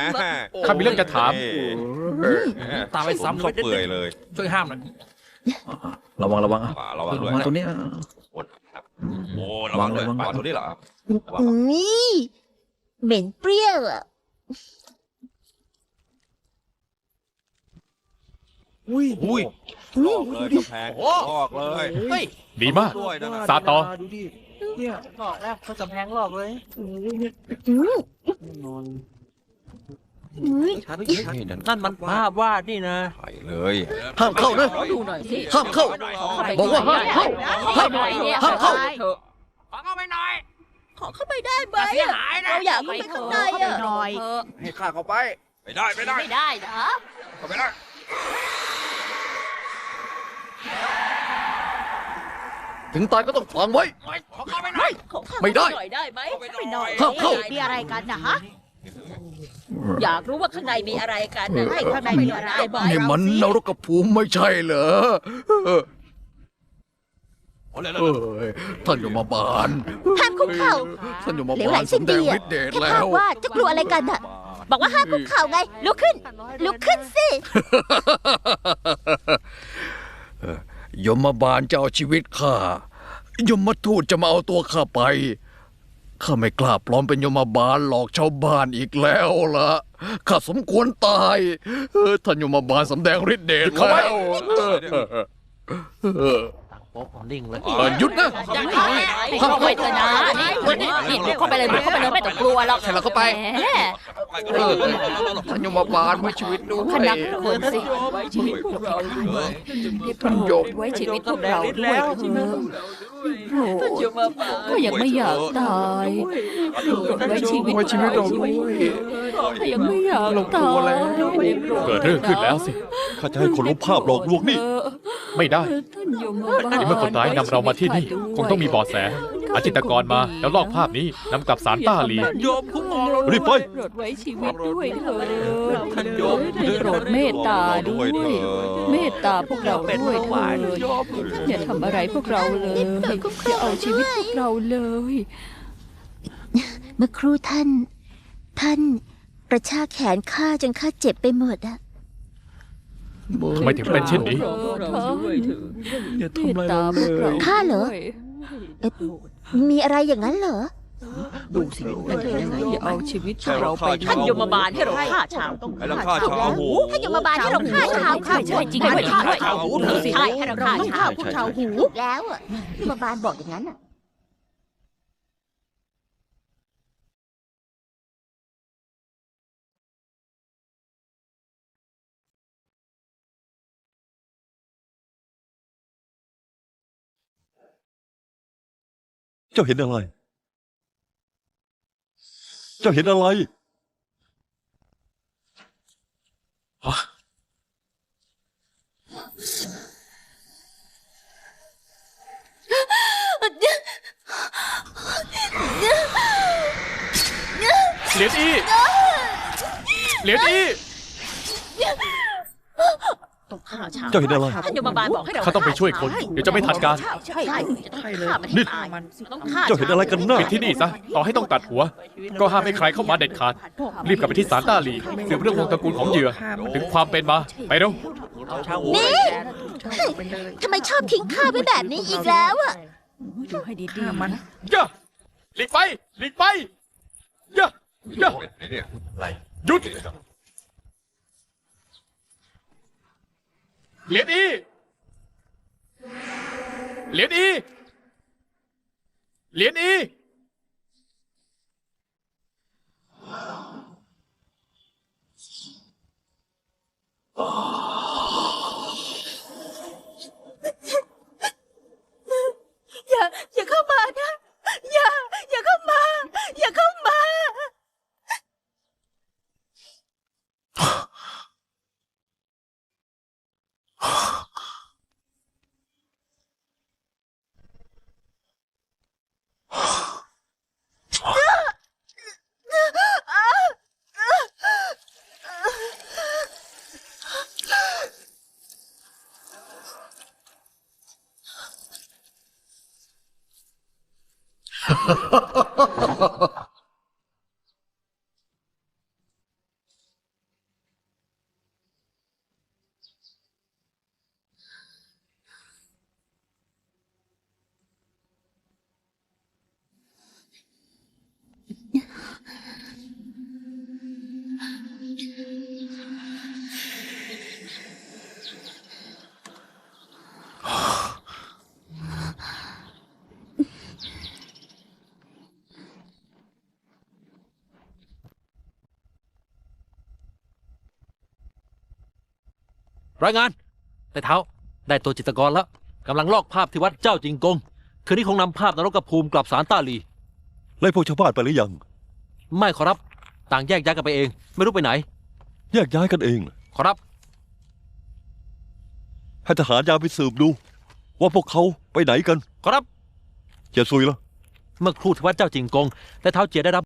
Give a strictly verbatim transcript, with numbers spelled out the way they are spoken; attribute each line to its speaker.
Speaker 1: ข้ามีเรื่องจะถาม
Speaker 2: ตามไปซ้ำ
Speaker 3: เขาเปื่อยเลย
Speaker 2: ช่วยห้ามหน่อย
Speaker 4: ระวังระวังอ่ะ
Speaker 3: ป่าระวังด้วย
Speaker 4: ระวังตรงนี้
Speaker 3: โอ้ระวังด้วยป่าตัวนี้เหรอ
Speaker 5: นี่เหม็นเปรี้ยวอ่ะ
Speaker 4: อุ้ย
Speaker 3: อุ้ยลอกเลยกำแพงลอกเลย
Speaker 2: เฮ้ย
Speaker 1: ดีมาก
Speaker 3: ด้วยนะ
Speaker 1: ซาตอ
Speaker 4: ดูดิเนี่ย
Speaker 2: หลอกแล้วเขากำแพงหลอกเลย
Speaker 5: อืม
Speaker 4: นอน
Speaker 5: อืม
Speaker 4: ชัดชัด
Speaker 2: นั่นมันภาพวาดนี่นะ
Speaker 3: ไปเลย
Speaker 4: ห้ามเข้านะ
Speaker 6: ดูหน่อยสิ
Speaker 4: ห้ามเข้า บอกว่าห้ามเข้า
Speaker 6: เข้าไปหน่อยเนี่ย
Speaker 4: ห้ามเข้า
Speaker 6: เถอะ
Speaker 2: ขอเข้าไปหน่อย
Speaker 5: ขอเข้าไปได้ไหม
Speaker 2: เสีย
Speaker 5: อะ
Speaker 2: หายนะ
Speaker 5: เราอยากเข้าไปข้างในอ่ะ
Speaker 6: หน่อย
Speaker 4: ให้ข้าเข้าไป
Speaker 3: ไม่ได้ไม่ได้
Speaker 6: ไม่ได้นะ
Speaker 3: เข้าไปได้
Speaker 4: ถึงตายก็ต้องฝังไว้
Speaker 2: ขอเข้าไปหน่อย
Speaker 5: ขอเข้า
Speaker 4: ไม่ได้
Speaker 5: หน่อยได้ไหม
Speaker 3: เข้าไปหน่อย
Speaker 4: ห้ามเข้า
Speaker 6: มีอะไรกันนะฮะ
Speaker 5: อยากรู้ว่าข้างในมีอะไรกันนะให้ข้างในมีอะไรบอก
Speaker 4: นี่มันนรกภูมิไม่ใช่เหรอเออ
Speaker 3: โอ้เลย
Speaker 4: เอ้ยท่านยมบาล
Speaker 5: ห้ามคุกเข่า
Speaker 4: ท่านยม
Speaker 5: เหลว
Speaker 4: บา
Speaker 5: ไหล
Speaker 4: ล
Speaker 5: สิ้น
Speaker 4: สำแด
Speaker 5: ดี
Speaker 4: ง
Speaker 5: อ่ะ
Speaker 4: ฤทธิ์เดช
Speaker 5: แค่
Speaker 4: แล้
Speaker 5: ภาพ
Speaker 4: ว
Speaker 5: วาดจะกลัวอะไรกันอ่ะ บอกว่าห้ามคุกเข่าไง ลุกขึ้น ลุกขึ้นสิ
Speaker 4: เอ่อยมบาลจะเอาชีวิตข้ายมทูตจะมาเอาตัวข้าไปข้าไม่กล้าปลอมเป็นยมบาลหลอกชาวบ้านอีกแล้วล่ะข้าสมควรตายเออท่านยมบาลสำแดงฤทธิ์เดชแล้วเออเออ
Speaker 2: โป๊ะนิ่งเลย
Speaker 4: เออหยุดนะ
Speaker 6: จะเข้าไปเข้าไปเถอะนะนี่นี่นี่บุกเข้าไปเลยบุกเข้าไปเลยไม่ต้องกลัวหรอก
Speaker 4: ใครเราเข้าไป
Speaker 6: แหม
Speaker 4: เออท่านยมบาลไว้ชีวิตด้วย
Speaker 6: คณะคนสิไว้ชีวิตพวกเราด้วยท่านโยมไว้ชีวิตพวกเราด้วยเถอะโอ้ก็ยังไม่อยากตายไว้ชีวิต
Speaker 4: ไว้ชีวิตเราด้วย
Speaker 6: ก็ยังไม่อยากตาย
Speaker 1: เกิดเรื่องขึ้นแล้วสิ
Speaker 3: ข้าจะให้คนลบภาพหลอกลวงนี่
Speaker 1: ไม่ได้
Speaker 6: ท่านโยมบาล
Speaker 1: ในเมื่อคนร้ายนำเรามาที่นี่ คงต้องมีเบาะแสอาจิตรกรมาแล้วลอกภาพนี้นำกลับสารต้าหลี
Speaker 2: โยมคุ้มครองเรา
Speaker 3: รีบไป
Speaker 6: โปรดไว้ชีวิตด้วยเถอะ
Speaker 2: ท่านโยม
Speaker 6: ได้โปรดเมตตาด้วย เมตตาพวกเราด้วยเถิดอย่าทำอะไรพวกเราเลยอย่าเอาชีวิตพวกเราเลย
Speaker 5: เมื่อครู่ท่าน ท่านกระชากแขนข้าจนข้าเจ็บไปหมดอ่ะ
Speaker 1: ทำไมถึงเป็นเช่นนี้
Speaker 4: อย่า
Speaker 6: เม
Speaker 4: ทำ
Speaker 6: ต
Speaker 4: อะไร
Speaker 6: ตา
Speaker 4: เรา
Speaker 6: พวก
Speaker 4: เล
Speaker 6: เรา
Speaker 4: ย
Speaker 5: ข้าเหรอ เอ๊ะมีอะไรอย่างนั้นเหรอ
Speaker 4: ดูสิ
Speaker 6: อย่าเอาชีวิตพวกเราไป
Speaker 3: ท่านยมบาลให้
Speaker 6: เราฆ่าชาว
Speaker 3: ให้เราฆ่าชาวหู
Speaker 5: ท่านยมบาลให้เราฆ่าชาว
Speaker 6: ใช่ใช่จริงด้วยจริงด้วย
Speaker 3: ชาวหู
Speaker 6: ใช่ให้เราฆ่าชาว
Speaker 5: พวกชาวหูแล้วอ่ะยมบาลบอกอย่างนั้นอ่ะ
Speaker 3: เจ้าเห็นอะไร เจ้าเห็นอะไร
Speaker 1: เหรียญอีเหรียญอี
Speaker 6: ต้องฆ่าชาว
Speaker 3: เจ้าเห็นอะไร
Speaker 6: ท่านยมบาลบอกให้เรา
Speaker 1: เขาต้องไปช่วยคน เดี๋ยวจะไม่ทันการ
Speaker 6: ใช่ใช่จะต้องฆ่ามันให้ตายต้องฆ่า
Speaker 3: เจ้าเห็นอะไรกันน่ะ
Speaker 1: ปิดที่นี่ซะ ต่อให้ต้องตัดหัว ก็ห้ามให้ใครเข้ามาเด็ดขาด รีบกลับไปที่ศาลต้าหลีสืบเรื่องวงตระกูลของเหยื่อ ถึงความเป็นมา ไปเร็ว
Speaker 2: เอาชาวหู
Speaker 5: นี่ ทำไมชอบทิ้งข้าไว้แบบนี้อีกแล้วอ่ะ
Speaker 6: ดูให้ดีๆมัน
Speaker 1: ย่าหลีกไปหลีกไปย่าย่าหยุดเหรียญอีเหรียญอีเหรียญอี
Speaker 5: อย่า อย่าเข้ามานะ อย่า อย่าเข้ามา อย่าเข้ามา
Speaker 4: ฮ่าฮ่าฮ่าฮ่า
Speaker 2: รายงานแต่เท้าได้ตัวจิตรกรแล้วกำลังลอกภาพที่วัดเจ้าจิงกงคืนนี้คงนำภาพนรกภูมิกลับสารต้าหลี
Speaker 3: ไล่พวกชาวบ้านไปหรือยัง
Speaker 2: ไม่ขอรับ ต่างแยกย้ายกันไปเอง ไม่รู้ไปไหน
Speaker 3: แยกย้ายกันเอง
Speaker 2: ขอรับ
Speaker 3: ให้ทหารยามไปสืบดู ว่าพวกเขาไปไหนกัน
Speaker 2: ขอรับ
Speaker 3: เจียซุยล่ะ
Speaker 2: เมื่อครู่ที่วัดเจ้าจิงกงแต่เท้าเจียได้รับ